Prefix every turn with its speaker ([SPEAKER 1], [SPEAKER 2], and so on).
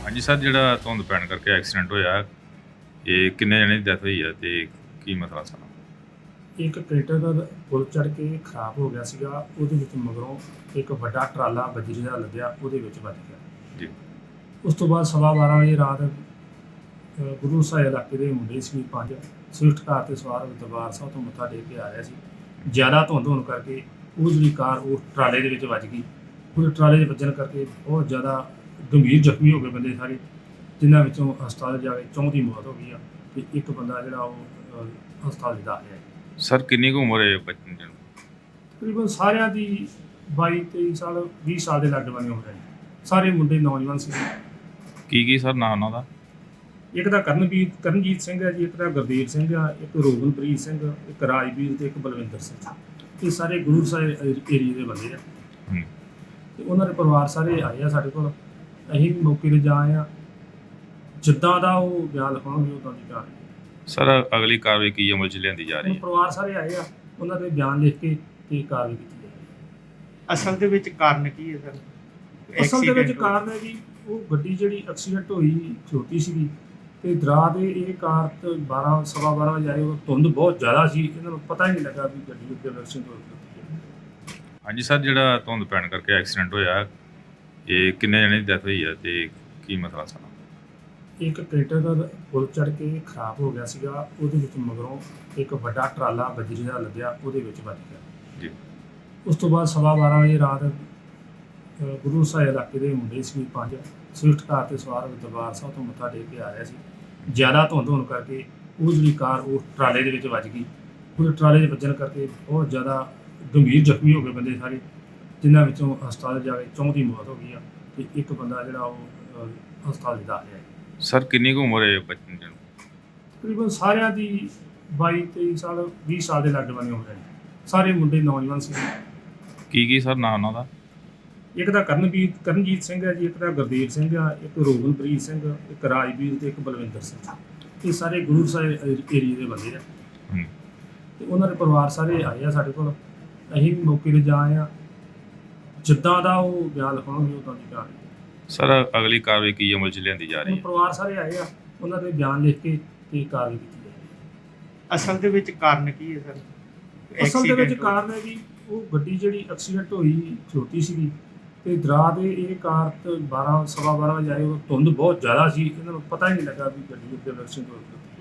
[SPEAKER 1] ਹਾਂਜੀ ਸਰ, ਜਿਹੜਾ ਧੁੰਦ ਪੈਣ ਕਰਕੇ ਐਕਸੀਡੈਂਟ ਹੋਇਆ, ਇਹ ਕਿੰਨੇ ਜਣੇ ਦੀ ਡੈਥ ਹੋਈ ਹੈ ਤੇ ਕੀ ਮਸਲਾ ਸਾਰਾ?
[SPEAKER 2] ਇੱਕ ਕ੍ਰੇਟਰ ਦਾ ਪੁਲ ਚੜ੍ਹ ਕੇ ਖਰਾਬ ਹੋ ਗਿਆ ਸੀਗਾ। ਉਹਦੇ ਵਿੱਚ ਮਗਰੋਂ ਇੱਕ ਵੱਡਾ ਟਰਾਲਾ ਬਜਰੀ ਦਾ ਲੱਦਿਆ, ਉਹਦੇ ਵਿੱਚ ਵੱਜ ਗਿਆ।
[SPEAKER 1] ਜੀ।
[SPEAKER 2] ਉਸ ਤੋਂ ਬਾਅਦ 12:15 ਵਜੇ ਰਾਤ ਗੁਰੂ ਸਾਹਿਬ ਇਲਾਕੇ ਦੇ ਮੁੰਡੇ ਸੀ 5 ਸਵਿਫਟ ਕਾਰ 'ਤੇ ਸਵਾਰ ਦਰਬਾਰ ਸਾਹਿਬ ਤੋਂ ਮੱਥਾ ਟੇਕ ਕੇ ਆ ਰਿਹਾ ਸੀ। ਜ਼ਿਆਦਾ ਧੁੰਦ ਹੋਣ ਕਰਕੇ ਉਹ ਜਿਹੜੀ ਕਾਰ ਉਹ ਟਰਾਲੇ ਦੇ ਵਿੱਚ ਵੱਜ ਗਈ। ਉਹ ਟਰਾਲੇ 'ਚ ਵੱਜਣ ਕਰਕੇ ਬਹੁਤ ਜ਼ਿਆਦਾ ਗੰਭੀਰ ਜ਼ਖਮੀ ਹੋ ਗਏ ਬੰਦੇ ਸਾਰੇ, ਜਿਨ੍ਹਾਂ ਵਿੱਚੋਂ ਹਸਪਤਾਲ ਜਾ ਕੇ 4 ਦੀ ਮੌਤ ਹੋ ਗਈ ਆ ਅਤੇ ਇੱਕ ਬੰਦਾ ਜਿਹੜਾ ਉਹ ਹਸਪਤਾਲ 'ਚ ਦਾਖਲ ਹੈ।
[SPEAKER 1] ਸਰ ਕਿੰਨੀ ਕੁ ਉਮਰ ਹੈ ਬੱਚੇ ਦੀ?
[SPEAKER 2] ਤਕਰੀਬਨ ਸਾਰਿਆਂ ਦੀ 22-23 ਸਾਲ 20 ਸਾਲ ਦੇ ਲਾਗੇ ਬੰਨੇ ਹੋ ਰਹੇ ਨੇ। ਸਾਰੇ ਮੁੰਡੇ ਨੌਜਵਾਨ ਸੀ।
[SPEAKER 1] ਕੀ ਸਰ ਨਾਂ ਉਹਨਾਂ ਦਾ?
[SPEAKER 2] ਇੱਕ ਦਾ ਕਰਨਜੀਤ ਸਿੰਘ ਹੈ ਜੀ, ਇੱਕ ਦਾ ਗੁਰਦੇਵ ਸਿੰਘ ਆ, ਇੱਕ ਰੋਗਨਪ੍ਰੀਤ ਸਿੰਘ, ਇੱਕ ਰਾਜਵੀਰ ਤੇ ਇੱਕ ਬਲਵਿੰਦਰ ਸਿੰਘ। ਇਹ ਸਾਰੇ ਗੁਰੂ ਸਾਹਿਬ ਏਰੀਏ ਦੇ ਬੰਦੇ ਆ ਤੇ ਉਹਨਾਂ ਦੇ ਪਰਿਵਾਰ ਸਾਰੇ ਆਏ ਆ ਸਾਡੇ ਕੋਲ। ਅਸੀਂ ਵੀ ਮੌਕੇ 'ਤੇ ਜਾ ਆਏ ਆ। ਜਿੱਦਾਂ ਦਾ ਉਹ ਬਿਆਨ ਲਿਖਾਉਣਗੇ ਉੱਦਾਂ ਦੀ ਕਾਰਵਾਈ।
[SPEAKER 1] ਸਰ ਅਗਲੀ ਕਾਰਵਾਈ ਕੀ ਅਮਲ 'ਚ ਲਿਆਂਦੀ ਜਾ ਰਹੀ
[SPEAKER 2] ਹੁਣ
[SPEAKER 1] ਹੈ?
[SPEAKER 2] ਪਰਿਵਾਰ ਸਾਰੇ ਆਏ ਆ, ਉਹਨਾਂ ਦੇ ਬਿਆਨ ਲਿਖ ਕੇ ਤੇ ਕਾਰਵਾਈ ਕੀਤੀ ਜਾਏਗੀ।
[SPEAKER 3] ਅਸਲ ਦੇ ਵਿੱਚ ਕਾਰਨ ਕੀ ਹੈ ਸਰ?
[SPEAKER 2] ਅਸਲ ਦੇ ਵਿੱਚ ਕਾਰਨ ਹੈ ਜੀ, ਉਹ ਗੱਡੀ ਜਿਹੜੀ ਐਕਸੀਡੈਂਟ ਹੋਈ ਖਲੋਤੀ ਸੀਗੀ ਤੇ ਦਰਾਹ ਦੇ ਇਹ ਕਾਰ ਤੇ 12-12:15 ਵਜੇ ਆਏ। ਉਹ ਧੁੰਦ ਬਹੁਤ ਜ਼ਿਆਦਾ ਸੀ, ਇਹਨਾਂ ਨੂੰ ਪਤਾ ਹੀ ਨਹੀਂ ਲੱਗਾ ਵੀ ਗੱਡੀ ਉੱਤੇ ਐਕਸੀਡੈਂਟ ਹੋ ਗਿਆ।
[SPEAKER 1] ਹਾਂਜੀ ਸਰ, ਜਿਹੜਾ ਧੁੰਦ ਪੈਣ ਕਰਕੇ ਐਕਸੀਡੈਂਟ ਹੋਇਆ, ਇਹ ਕਿੰਨੇ ਜਣੇ ਦੀ ਡੈਥ ਹੋਈ ਹੈ ਤੇ ਕੀ ਮਸਲਾ ਸਾਰਾ?
[SPEAKER 2] ਇੱਕ ਕ੍ਰੇਟਰ ਦਾ ਪੁਲ ਚੜ੍ਹ ਕੇ ਖਰਾਬ ਹੋ ਗਿਆ ਸੀਗਾ। ਉਹਦੇ ਵਿੱਚ ਮਗਰੋਂ ਇੱਕ ਵੱਡਾ ਟਰਾਲਾ ਬਜਰੀ ਦਾ ਲੱਦਿਆ, ਉਹਦੇ ਵਿੱਚ ਵੱਜ ਗਿਆ।
[SPEAKER 1] ਜੀ।
[SPEAKER 2] ਉਸ ਤੋਂ ਬਾਅਦ 12:15 ਵਜੇ ਰਾਤ ਗੁਰੂ ਸਾਹਿਬ ਇਲਾਕੇ ਦੇ ਮੁੰਡੇ ਸੀ 5 ਸਵਿਫਟ ਕਾਰ 'ਤੇ ਸਵਾਰ ਦਰਬਾਰ ਸਾਹਿਬ ਤੋਂ ਮੱਥਾ ਟੇਕ ਕੇ ਆ ਰਿਹਾ ਸੀ। ਜ਼ਿਆਦਾ ਧੁੰਦ ਹੋਣ ਕਰਕੇ ਉਹ ਜਿਹੜੀ ਕਾਰ ਉਹ ਟਰਾਲੇ ਦੇ ਵਿੱਚ ਵੱਜ ਗਈ। ਉਹ ਟਰਾਲੇ 'ਚ ਵੱਜਣ ਕਰਕੇ ਬਹੁਤ ਜ਼ਿਆਦਾ ਗੰਭੀਰ ਜ਼ਖਮੀ ਹੋ ਗਏ ਬੰਦੇ ਸਾਰੇ, ਜਿਨ੍ਹਾਂ ਵਿੱਚੋਂ ਹਸਪਤਾਲ ਜਾ ਕੇ 4 ਦੀ ਮੌਤ ਹੋ ਗਈ ਆ ਅਤੇ ਇੱਕ ਬੰਦਾ ਜਿਹੜਾ ਉਹ ਹਸਪਤਾਲ 'ਚ ਦਾਖਲ ਹੈ।
[SPEAKER 1] ਸਰ ਕਿੰਨੀ ਕੁ ਉਮਰ ਹੈ ਬੱਚੇ ਦੀ?
[SPEAKER 2] ਤਕਰੀਬਨ ਸਾਰਿਆਂ ਦੀ 22-23 ਸਾਲ 20 ਸਾਲ ਦੇ ਲਾਗੇ ਬੰਨੇ ਹੋ ਰਹੇ ਨੇ। ਸਾਰੇ ਮੁੰਡੇ ਨੌਜਵਾਨ ਸੀ।
[SPEAKER 1] ਕੀ ਸਰ ਨਾਂ ਉਹਨਾਂ ਦਾ?
[SPEAKER 2] ਇੱਕ ਦਾ ਕਰਨਜੀਤ ਸਿੰਘ ਹੈ ਜੀ, ਇੱਕ ਦਾ ਗੁਰਦੇਵ ਸਿੰਘ ਆ, ਇੱਕ ਰੋਗਨਪ੍ਰੀਤ ਸਿੰਘ, ਇੱਕ ਰਾਜਵੀਰ ਤੇ ਇੱਕ ਬਲਵਿੰਦਰ ਸਿੰਘ। ਇਹ ਸਾਰੇ ਗੁਰੂ ਸਾਹਿਬ ਏਰੀਏ ਦੇ ਬੰਦੇ ਆ ਤੇ ਉਹਨਾਂ ਦੇ ਪਰਿਵਾਰ ਸਾਰੇ ਆਏ ਆ ਸਾਡੇ ਕੋਲ। ਅਸੀਂ ਵੀ ਮੌਕੇ 'ਤੇ ਜਾ ਆਏ ਆ। ਜਿੱਦਾਂ ਦਾ ਉਹ ਬਿਆਨ ਲਿਖਾਉਣਗੇ ਉੱਦਾਂ ਦੀ ਕਾਰਵਾਈ।
[SPEAKER 1] ਸਰ ਅਗਲੀ ਕਾਰਵਾਈ ਕੀ ਅਮਲ 'ਚ ਲਿਆਂਦੀ ਜਾ ਰਹੀ
[SPEAKER 2] ਹੁਣ
[SPEAKER 1] ਹੈ?
[SPEAKER 2] ਪਰਿਵਾਰ ਸਾਰੇ ਆਏ ਆ, ਉਹਨਾਂ ਦੇ ਬਿਆਨ ਲਿਖ ਕੇ ਤੇ ਕਾਰਵਾਈ ਕੀਤੀ ਜਾਏਗੀ।
[SPEAKER 3] ਅਸਲ ਦੇ ਵਿੱਚ ਕਾਰਨ ਕੀ ਹੈ ਸਰ?
[SPEAKER 2] ਅਸਲ ਦੇ ਵਿੱਚ
[SPEAKER 3] Accident
[SPEAKER 2] ਕਾਰਨ ਹੈ ਜੀ, ਉਹ ਗੱਡੀ ਜਿਹੜੀ ਐਕਸੀਡੈਂਟ ਹੋਈ ਖਲੋਤੀ ਸੀਗੀ ਤੇ ਦਰਾਹ ਦੇ ਇਹ ਕਾਰ ਤੇ 12-12:15 ਵਜੇ ਆਏ। ਉਹ ਧੁੰਦ ਬਹੁਤ ਜ਼ਿਆਦਾ ਸੀ, ਇਹਨਾਂ ਨੂੰ ਪਤਾ ਹੀ ਨਹੀਂ ਲੱਗਾ ਵੀ ਗੱਡੀ ਉੱਤੇ ਐਕਸੀਡੈਂਟ ਹੋ ਗਿਆ।